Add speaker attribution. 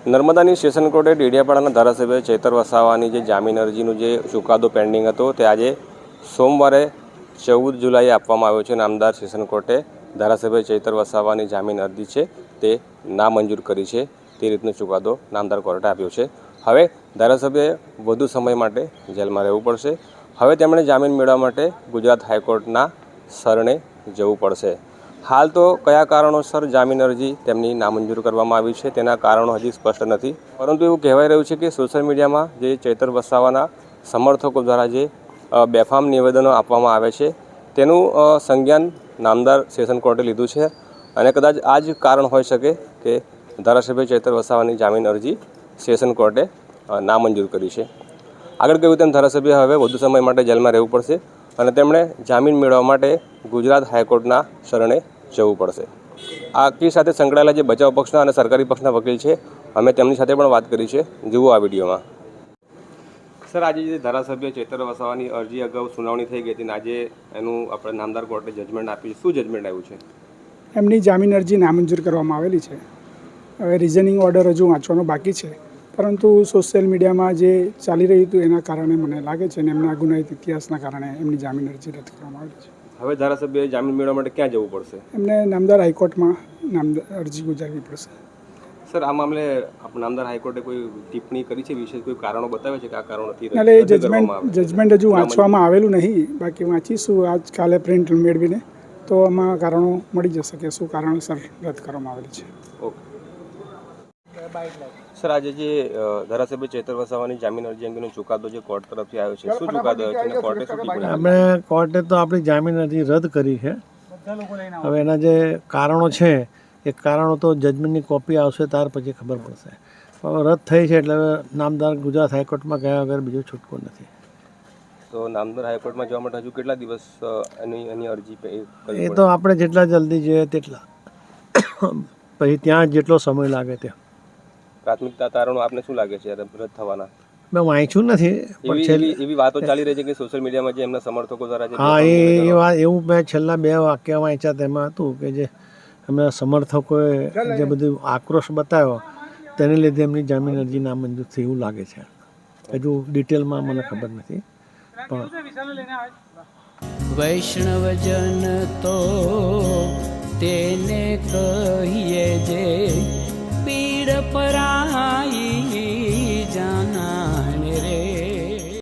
Speaker 1: નર્મદાની સેશન કોર્ટે ડેડિયાપાડાના ધારાસભ્ય ચૈતર વસાવાની જે જામીન અરજીનો જે ચુકાદો પેન્ડિંગ હતો તે આજે સોમવારે 14 જુલાઈએ આપવામાં આવ્યો છે. નામદાર સેશન કોર્ટે ધારાસભ્ય ચૈતર વસાવાની જામીન અરજી છે તે નામંજૂર કરી છે. તે રીતનો ચુકાદો નામદાર કોર્ટે આપ્યો છે. હવે ધારાસભ્યએ વધુ સમય માટે જેલમાં રહેવું પડશે. હવે તેમણે જામીન મેળવવા માટે ગુજરાત હાઈકોર્ટના શરણે જવું પડશે. હાલ તો કયા કારણોસર જામીન અરજી તેમની નામંજૂર કરવામાં આવી છે તેના કારણો હજી સ્પષ્ટ નથી. પરંતુ એવું કહેવાઈ રહ્યું છે કે સોશિયલ મીડિયામાં જે ચૈતર વસાવાના સમર્થકો દ્વારા જે બેફામ નિવેદનો આપવામાં આવે છે તેનું સંજ્ઞાન નામદાર સેશન કોર્ટે લીધું છે અને કદાચ આ જ કારણ હોઈ શકે કે ધારાસભ્ય ચૈતર વસાવાની જામીન અરજી સેશન કોર્ટે નામંજૂર કરી છે. આગળ કહ્યું તેમ ધારાસભ્ય હવે વધુ સમય માટે જેલમાં રહેવું પડશે અને તેમણે જામીન મેળવવા માટે ગુજરાત હાઈકોર્ટના શરણે જવું પડશે. આ કેસ સાથે સંકળાયેલા જે બચાવ પક્ષના અને સરકારી પક્ષના વકીલ છે અમે તેમની સાથે પણ વાત કરી છે. જુઓ આ વિડીયોમાં. સર, આજે જે ધારાસભ્ય ચૈતર વસાવાની અરજી અગાઉ સુનાવણી થઈ ગઈ હતી અને આજે એનું આપણે નામદાર કોર્ટે જજમેન્ટ આપ્યું. શું જજમેન્ટ આવ્યું છે?
Speaker 2: એમની જામીન અરજી નામંજૂર કરવામાં આવેલી છે. હવે રિઝનિંગ ઓર્ડર હજુ વાંચવાનો બાકી છે, પરંતુ સોશિયલ મીડિયામાં જે ચાલી રહ્યું હતું એના કારણે મને લાગે છે અને એમના ગુનાહિત ઇતિહાસના કારણે એમની જામીન અરજી રદ કરવામાં આવેલી છે.
Speaker 1: હવે ધારાસભ્યએ જામીન મેળવવા માટે ક્યાં જવું પડશે?
Speaker 2: એમને નામદાર હાઈકોર્ટમાં અરજી ગુજારવી પડશે.
Speaker 1: સર, આ મામલે નામદાર હાઈકોર્ટે કોઈ ટિપ્પણી કરી છે? વિશેષ કોઈ કારણો બતાવે છે કે આ કારણોથી
Speaker 2: એટલે જજમેન્ટ હજુ વાંચવામાં આવેલું નહીં. બાકી વાંચીશું આજકાલે પ્રિન્ટ મેળવીને, તો આમાં કારણો મળી જશે કે શું કારણોસર રદ કરવામાં આવેલી છે.
Speaker 1: ઓકે સર, આજે જે ધારાસભ્ય ચૈતર વસાવાની જામીન અરજી અંગેનો ચુકાદો જે કોર્ટ તરફથી આવ્યો છે, શું ચુકાદો આવ્યો છે અને કોર્ટે શું ટિપ્પણી આપી?
Speaker 3: અમે કોર્ટે તો આપણી જામીન અરજી રદ કરી છે. હવે એના જે કારણો છે એ કારણો તો જજમેન્ટની કોપી આવશે ત્યાર પછી ખબર પડશે. હવે રદ થઈ છે એટલે હવે નામદાર ગુજરાત હાઈકોર્ટમાં ગયા વગર બીજો છૂટકો નથી.
Speaker 1: તો નામદાર હાઈકોર્ટમાં જવા માટે હજુ કેટલા દિવસ એની અરજી
Speaker 3: એ તો આપણે જેટલા જલ્દી જોઈએ તેટલા, પછી ત્યાં જેટલો સમય લાગે ત્યાં.
Speaker 1: પ્રાથમિકતા તારણો આપને શું લાગે છે રદ થવાના?
Speaker 3: મેં વાંચ્યું નથી, પણ
Speaker 1: એવી વાતો ચાલી રહી છે કે સોશિયલ મીડિયામાં જે એમના સમર્થકો દ્વારા
Speaker 3: હા એ વાત એવું મેં છેલ્લા 2 વાક્ય વાંચ્યા તેમાં હતું કે જે એમના સમર્થકોએ જે બધું આક્રોશ બતાવ્યો તેને લીધે એમની જામીન અરજી નામંજૂર થઈ એવું લાગે છે. હજુ ડિટેલમાં મને ખબર નથી. પણ
Speaker 4: વૈષ્ણવજન તો તેને કહીએ જે પીડ પરાઈ.